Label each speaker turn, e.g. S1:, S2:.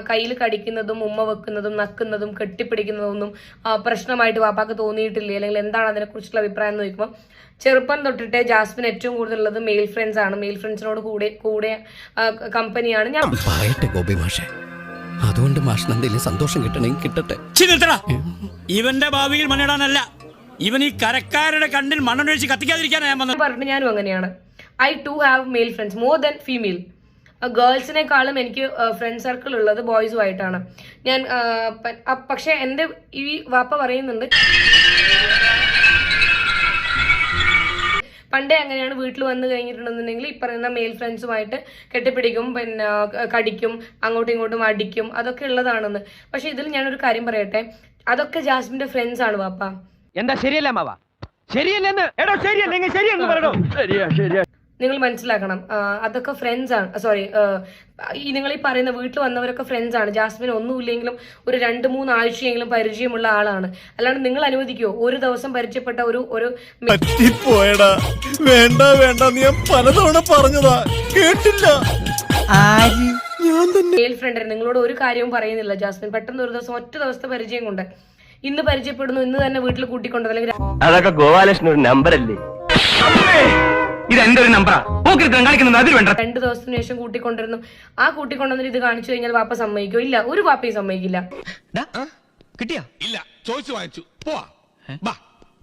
S1: കയ്യിൽ കടിക്കുന്നതും ഉമ്മ വെക്കുന്നതും നക്കുന്നതും കെട്ടിപ്പിടിക്കുന്നതൊന്നും പ്രശ്നമായിട്ട് വാപ്പാക്ക് തോന്നിയിട്ടില്ലേ, അല്ലെങ്കിൽ എന്താണ് അതിനെക്കുറിച്ചുള്ള അഭിപ്രായം എന്ന് ചോദിക്കുമ്പോൾ ചെറുപ്പം തൊട്ടിട്ട് ജാസ്മിൻ ഏറ്റവും കൂടുതലുള്ളത് മെയിൽ ഫ്രണ്ട്സ് ആണ്. മെയിൽ ഫ്രണ്ട്സിനോട് കൂടെ കമ്പനിയാണ്. ഞാൻ
S2: അതുകൊണ്ട് മാഷിന് എന്തെങ്കിലും സന്തോഷം കിട്ടണമെങ്കിൽ കിട്ടട്ടെ.
S3: ഇവന്റെ ഭാവിയിൽ മണ്ണിടാനല്ല, ഇവൻ ഈ കരക്കാരുടെ കണ്ണിൽ മണ്ണൊഴിച്ച് കത്തിക്കാതിരിക്കാനാണ് ഞാൻ
S1: പറഞ്ഞിട്ട് ഞാനും അങ്ങനെയാണ്. I too have male friends more than female. ഗേൾസിനെക്കാളും എനിക്ക് ഫ്രണ്ട് സർക്കിൾ ഉള്ളത് ബോയ്സുമായിട്ടാണ്. ഞാൻ പക്ഷെ എൻ്റെ ഈ വാപ്പ പറയുന്നുണ്ട് പണ്ടേ അങ്ങനെയാണ്, വീട്ടിൽ വന്നു കഴിഞ്ഞിട്ടുണ്ടെന്നുണ്ടെങ്കിൽ ഈ പറയുന്ന മെയിൽ ഫ്രണ്ട്സുമായിട്ട് കെട്ടിപ്പിടിക്കും, പിന്നെ കടിക്കും, അങ്ങോട്ടും ഇങ്ങോട്ടും അടിക്കും, അതൊക്കെ ഉള്ളതാണെന്ന്. പക്ഷെ ഇതിൽ ഞാനൊരു കാര്യം പറയട്ടെ, അതൊക്കെ ജാസ്മിന്റെ ഫ്രണ്ട്സ് ആണ് വാപ്പ.
S4: എന്താ ശരിയല്ല മാവാ? ശരിയല്ലെന്ന് എടോ, ശരിയല്ലെങ്കിൽ ശരിയെന്ന് പറയണോ? ശരിയാ ശരിയാ.
S1: നിങ്ങൾ മനസ്സിലാക്കണം, അതൊക്കെ ഫ്രണ്ട്സ് ആണ്. സോറി, നിങ്ങൾ ഈ പറയുന്ന വീട്ടിൽ വന്നവരൊക്കെ ഫ്രണ്ട്സ് ആണ്. ജാസ്മിൻ ഒന്നുമില്ലെങ്കിലും ഒരു 2-3 ആഴ്ചയെങ്കിലും പരിചയമുള്ള ആളാണ്. അല്ലാണ്ട് നിങ്ങൾ അനുവദിക്കുമോ ഒരു ദിവസം പരിചയപ്പെട്ട ഒരു
S2: വേണ്ട വേണ്ട, നീ പലതവണ പറഞ്ഞതാ കേട്ടില്ല.
S1: മെയിൽ ഫ്രണ്ട് നിങ്ങളോട് ഒരു കാര്യവും പറയുന്നില്ല ജാസ്മിൻ. പെട്ടെന്ന് ഒരു ദിവസം ഒറ്റ ദിവസത്തെ പരിചയം കൊണ്ട് ഇന്ന് പരിചയപ്പെടുന്നു, ഇന്ന് തന്നെ വീട്ടിൽ കൂട്ടിക്കൊണ്ടു, അല്ലെങ്കിൽ
S4: അതൊക്കെ ഗോപാലകൃഷ്ണൻ ഒരു നമ്പർ അല്ലേ? ഇത് എന്റെ ഒരു നമ്പറാ. 2
S1: ദിവസത്തിന് ശേഷം കൂട്ടിക്കൊണ്ടിരുന്നു. ആ കൂട്ടിക്കൊണ്ടുവന്നിട്ട് ഇത് കാണിച്ചു കഴിഞ്ഞാൽ വാപ്പ സമ്മതിക്കോ? ഇല്ല, ഒരു വാപ്പയും സമ്മതിക്കില്ല.
S2: കിട്ടിയാ?
S5: ഇല്ല, ചോദിച്ചു വാങ്ങിച്ചു പോവാ.